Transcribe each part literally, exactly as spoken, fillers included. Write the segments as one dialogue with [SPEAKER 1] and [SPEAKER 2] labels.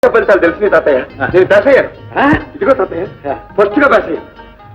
[SPEAKER 1] ఫలితాలు తెలిసింది తాతయ్య. నేను పాస్ అయ్యాను. ఇదిగో తాతయ్య, ఫస్ట్ గా పాస్ అయ్యాను.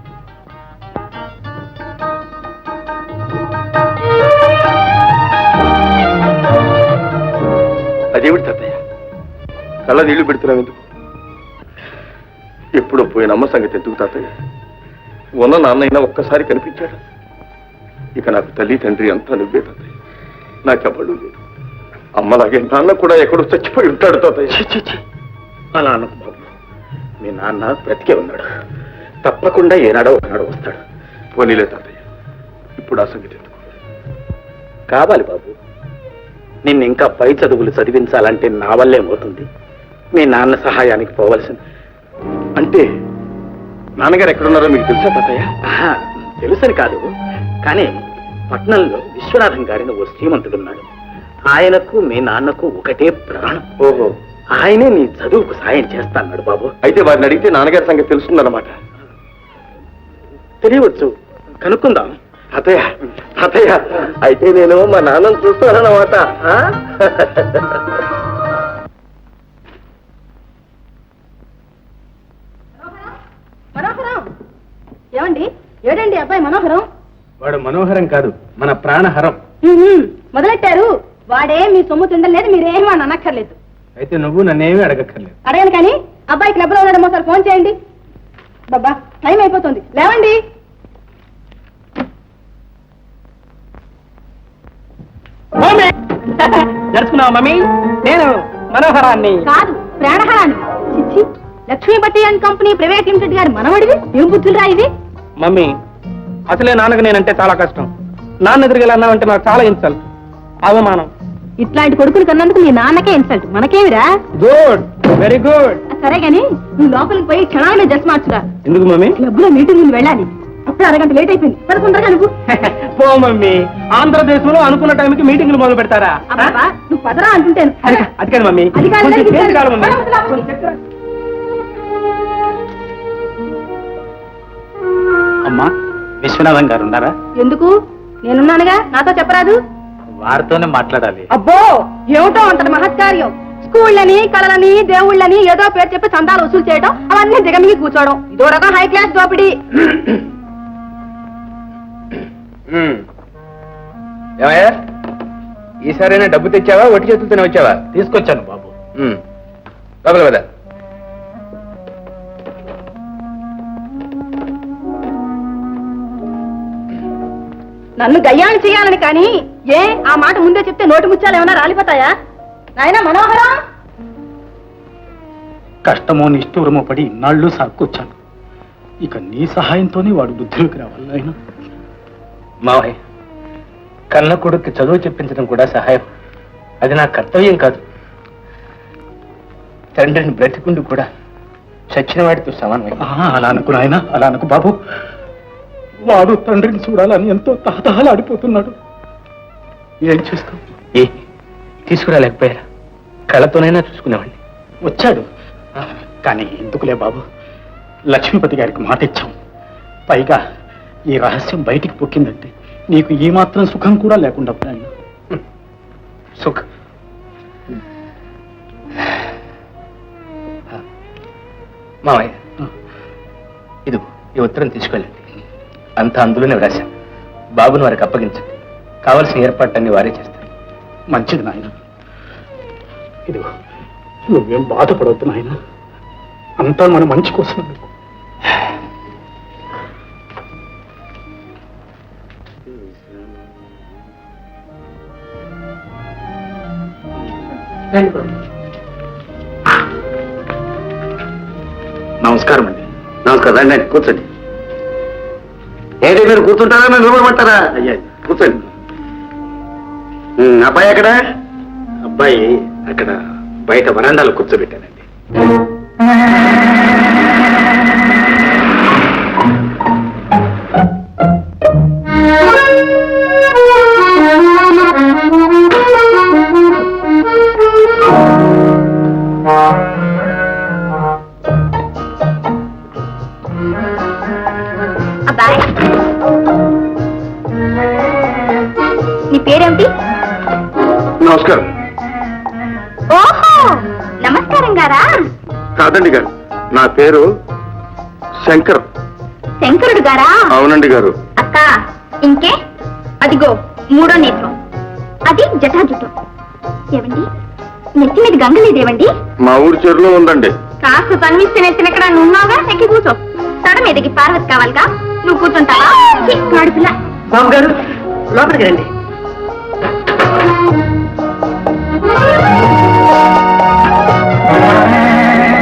[SPEAKER 1] అదేమిటి తాతయ్య కళ్ళ నీళ్లు పెడుతున్నావు ఎందుకు? ఎప్పుడో పోయిన అమ్మ సంగతి ఎందుకు తాతయ్య? ఉన్న నాన్నైనా ఒక్కసారి కనిపించాడు. ఇక నాకు తల్లి తండ్రి అంతా నువ్వే తాతయ్య. నాకెవ్వడు లేదు. అమ్మలాగే నాన్న కూడా ఎక్కడో చచ్చిపోయి ఉంటాడు తాతయ్య. అలా అనకు బాబు. మీ నాన్న బ్రతికే ఉన్నాడు. తప్పకుండా ఏనాడో ఒకనాడో వస్తాడు. పోనీలే తాతయ్య, ఇప్పుడు ఆ సంగతి ఎందుకు?
[SPEAKER 2] కావాలి బాబు. నిన్ను ఇంకా పై చదువులు చదివించాలంటే నా వల్లేమవుతుంది. మీ నాన్న సహాయానికి పోవలసింది.
[SPEAKER 1] అంటే నాన్నగారు ఎక్కడున్నారో మీకు తెలుసా తాతయ్య?
[SPEAKER 2] తెలుసని కాదు, కానీ పట్నంలో విశ్వనాథం గారిని ఓ శ్రీమంతుడున్నాడు. ఆయనకు మీ నాన్నకు ఒకటే ప్రాణం.
[SPEAKER 1] ఓహో,
[SPEAKER 2] ఆయనే నీ చదువుకు సాయం చేస్తాన్నాడు బాబు.
[SPEAKER 1] అయితే వారిని అడిగితే నాన్నగారి సంగతి తెలుస్తుందన్నమాట.
[SPEAKER 2] తెలియవచ్చు, కనుక్కుందాం.
[SPEAKER 1] తాతయ్య తాతయ్య అయితే నేను మా నాన్నను చూస్తానన్నమాట.
[SPEAKER 3] మనోహరం ఏమండి? ఏడండి అబ్బాయి మనోహరం?
[SPEAKER 2] వాడు మనోహరం కాదు, మన ప్రాణహరం.
[SPEAKER 3] మొదలెట్టారు. వాడే మీ సొమ్ము తిండలేదు, మీరేమీ అని అనక్కర్లేదు.
[SPEAKER 2] అయితే నువ్వు నన్నేమీ అడగక్కర్లేదు.
[SPEAKER 3] అడగను కానీ అబ్బాయి క్లబ్ లో ఉన్నాడేమో సార్, ఫోన్ చేయండి. బాబా టైం అయిపోతుంది, లేవండి.
[SPEAKER 2] జరుచుకున్నావా మమ్మీ? నేను మనోహరాన్ని
[SPEAKER 3] కాదు, ప్రాణహరాన్ని. చిచ్చి, లక్ష్మీ బట్టి అండ్ కంపెనీ ప్రైవేట్ లిమిటెడ్ గారి మనవడివి. ఏం బుద్ధులు రా ఇది?
[SPEAKER 2] మమ్మీ, అసలే నాన్నకు నేనంటే చాలా కష్టం. నాన్న ఎదురుగా అన్నావంటే నాకు చాలా ఇన్సల్ట్, అవమానం.
[SPEAKER 3] ఇట్లాంటి కొడుకులు కన్నందుకు మీ నాన్నకే ఇన్సల్ట్, మనకేమిరా?
[SPEAKER 2] Good, very good.
[SPEAKER 3] సరే గాని నువ్వు లోపలికి పోయి క్షణాలనే డ్రెస్ మార్చురా.
[SPEAKER 2] ఎందుకు మమ్మీ?
[SPEAKER 3] క్లబ్ లో మీటింగ్ వెళ్ళాలి. అప్పుడు అరగంట లేట్ అయిపోయింది. పదకొండరా నువ్వు.
[SPEAKER 2] పో మమ్మీ, ఆంధ్రదేశంలో అనుకున్న టైంకి మీటింగ్లు మొదలు పెడతారా?
[SPEAKER 3] నువ్వు పదరా అంటుంటాను.
[SPEAKER 2] అది కాదు మమ్మీ,
[SPEAKER 3] అది కాదు.
[SPEAKER 2] కొంచెం చేతి కాదు మమ్మీ. అమ్మా, విశ్వనాథం గారు ఉన్నారా?
[SPEAKER 3] ఎందుకు? నేనున్నానుగా, నాతో చెప్పరాదు?
[SPEAKER 2] వారితోనే మాట్లాడాలి.
[SPEAKER 3] అబ్బో, ఏమిటో అంతటి మహత్కార్యం. స్కూళ్ళని, కళలని, దేవుళ్ళని ఏదో పేరు చెప్పి చందాలు వసూలు చేయడం, అవన్నీ దిగమిగి కూర్చోవడం, ఇదో రకం హై క్లాస్ దోపిడీ.
[SPEAKER 2] ఏమయ్యా, ఈసారైనా డబ్బు తెచ్చావా, ఒట్టి చేతులతోనే వచ్చావా? తీసుకొచ్చాను బాబు. లోపల కదా.
[SPEAKER 3] నన్ను గయ్యాన్ని చేయాలని కానీ ఏ ఆ మాట ముందే చెప్తే నోటి ముత్యాలు ఏమైనా రాలిపోతాయా? నాయనా మనోహరం,
[SPEAKER 2] కష్టమో నిష్ఠూరమో పడి ఇన్నాళ్ళు సాక్కొచ్చాను. ఇక నీ సహాయంతోనే వాడు బుద్ధిలోకి రావాలి. ఆయన మావయ్య, కన్న కొడుక్కి చదువు చెప్పించడం కూడా సహాయం. అది నా కర్తవ్యం కాదు. తండ్రిని బ్రతికుండు కూడా చచ్చిన వాడితో సమానమే. అలా అనుకు నాయన, అలా అనుకు బాబు. వాడు తండ్రిని చూడాలని ఎంతో తహతహలాడిపోతున్నాడు. ఏం చేస్తాం? ఏ తీసుకురాలేకపోయారా? కళ్ళతోనైనా చూసుకునేవాడిని. వచ్చాడు కానీ ఎందుకులే బాబు, లక్ష్మీపతి గారికి మాట ఇచ్చాం. పైగా ఈ రహస్యం బయటికి పొక్కిందంటే నీకు ఈ మాత్రం సుఖం కూడా లేకుండా పోయాను. సుఖం మావయ్య, ఇది ఈ ఉత్తరం తీసుకెళ్ళండి. అంతా అందులోనే వ్రాశాం. బాబుని వారికి అప్పగించండి. కావలసిన ఏర్పాట్లన్నీ వారే చేస్తారు. మంచిది నాయన. ఇదిగో, నువ్వేం బాధపడవద్దు నాయన, అంతా మన మంచి కోసం. నమస్కారం అండి.
[SPEAKER 1] నమస్కారం. రండి రండి, కూర్చోండి. ఏంటి మీరు కూర్చుంటారా, మీరు నిలబడమంటారా?
[SPEAKER 2] అయ్యా
[SPEAKER 1] కూర్చోండి. అబ్బాయి ఎక్కడ?
[SPEAKER 2] అబ్బాయి అక్కడ బయట వరండాలో కూర్చోబెట్టానండి.
[SPEAKER 3] అబ్బాయి, నీ పేరేమిటి?
[SPEAKER 1] నమస్కారం.
[SPEAKER 3] ఓహో, నమస్కారం గారా?
[SPEAKER 1] కాదండి గారు, నా పేరు శంకర్.
[SPEAKER 3] శంకరుడు గారా?
[SPEAKER 1] అవునండి గారు.
[SPEAKER 3] అక్క ఇంకే అదిగో మూడో నేత్రం, అది జటాజుటం. ఏవండి నెత్తి మీద గంగ లేదేవండి?
[SPEAKER 1] మా ఊరి చెరువులో ఉందండి.
[SPEAKER 3] కాస్త తన్విస్తే నెత్తిన ఎక్కడ ఉన్నావుగా, ఎక్కి కూర్చో. తడ మీదకి పార్వతి కావాలిగా, నువ్వు కూర్చుంటావా? కాడుపిల్ల
[SPEAKER 4] బాబు గారు లోపలికి రండి.